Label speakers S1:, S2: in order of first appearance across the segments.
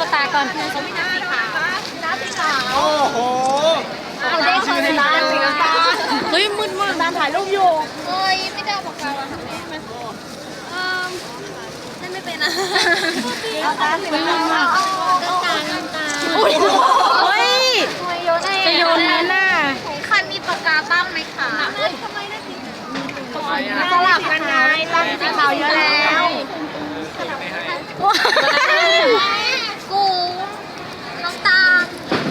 S1: กตาก่อน
S2: เขาไม่นับสีขาวนับสีขาว
S3: โอ้โห
S2: เอาได้คนละร้านสีขาว
S1: เฮ้ยมืดมาก
S2: ร้านถ่ายรูปอยู่เฮ้ยไม่ได้เอาปากกามาทำไงเล่นไม่เป็นอ่ะเอาตาสีขาวน้ำตา
S1: อุ้ย
S2: จะโยน
S1: นั้นน่ะ
S2: ใครมีปากกาตั้งไหมคะทำไมได้สีสลับกันไงตั้งสีขาวเยอะแล้วกูน้ำตาล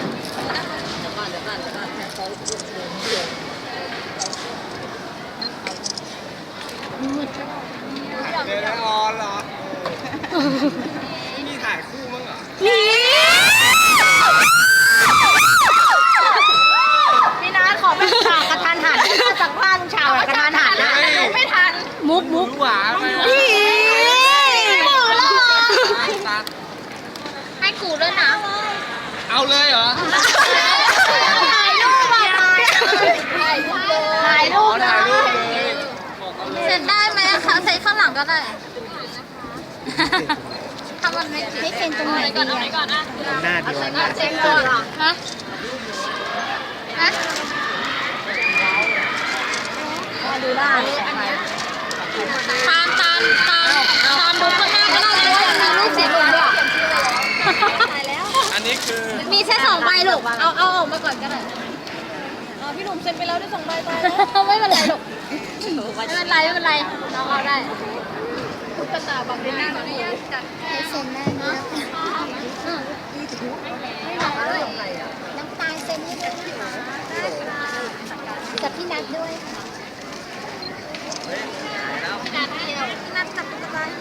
S3: เดี๋ยวออนเหรอมีถ่ายคู่มั้งเหรอ
S1: นี่
S2: พี่นัทขอเป็นฉากกระทันหันจากผ้าลุงชาวกระทันหันนะไม่ทัน
S1: มุก
S3: หวานไป
S1: นี่
S2: กูแล้วให้กูด้วยนะ
S3: เอาเลยเหรอ
S2: ถ่ายรูปถ่ายรูปถ่ายรูป
S3: ถ่ายรูปเลย
S2: เสร็จได้ไหมคะใส่ข้างหลังก็ได้ทำมันไม่เซ็นตรงไหนก่อนเอาไหนก่อนอ่ะ
S3: หน้าเดียว
S2: เซ็นก่อนเหรอฮะดูได้ตามดูข้างหน้าก็ได้มีรูปเสร็จเลยถ่ายแล้ว
S3: อันนี้คือ
S2: มีแค่2 ใบลูกเอาออกมาก่อนก็ได้พี่หนุ่มเซ็นไปแล้วได้2 ใบตายแล้วไม่เป็นไรลูกไม่เป็นไรน้องเอาได้ตุ๊กตาบังหน้าหนูจัดให้เซ็นได้ไหมน้ำตาลเซ็นให้ด้วยนะคะกับพี่นัทด้วยค่ะพี่นัทจับตุ๊กตาให้